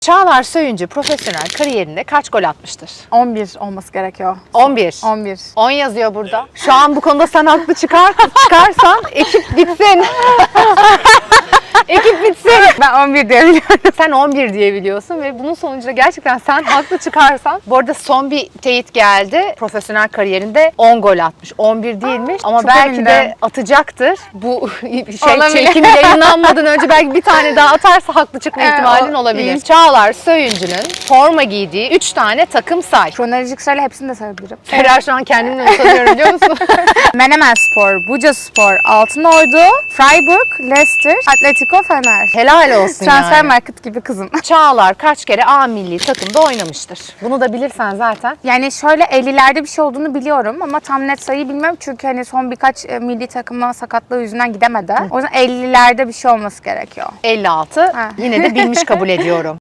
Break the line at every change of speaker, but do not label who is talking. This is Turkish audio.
Çağlar Söyüncü profesyonel kariyerinde kaç gol atmıştır?
11 olması gerekiyor.
11.
11.
10 yazıyor burada. Şu an bu konuda sen haklı çıkarsan ekip bitsin. Ekip bitsin.
Ben 11 diye biliyorum.
Sen 11 diye biliyorsun ve bunun sonucunda gerçekten sen haklı çıkarsan. Bu arada son bir teyit geldi. Profesyonel kariyerinde 10 gol atmış. 11 değilmiş ama
çok
belki
emindim.
de atacaktır. Bu
Olabilir.
çekim yayınlanmadan önce belki bir tane daha atarsa haklı çıkma ihtimalin olabilir.
iyi.
Çağlar Söyüncü'nün forma giydiği 3 tane takım say.
Kronolojik sırayla hepsini de sayabilirim.
Ferah, şu an kendimden utanıyorum biliyor musun?
Menemen Spor, Buca Spor, Altınordu, Freiburg, Leicester, Atletico, Fener.
Helal olsun
Transfer
yani.
market gibi kızım.
Çağlar kaç kere A milli takımda oynamıştır? Bunu da bilirsen zaten.
Yani şöyle 50'lerde bir şey olduğunu biliyorum ama tam net sayıyı bilmiyorum çünkü hani son birkaç milli takıma sakatlığı yüzünden gidemedi. O yüzden 50'lerde bir şey olması gerekiyor.
56.
Ha.
Yine de bilmiş kabul ediyorum.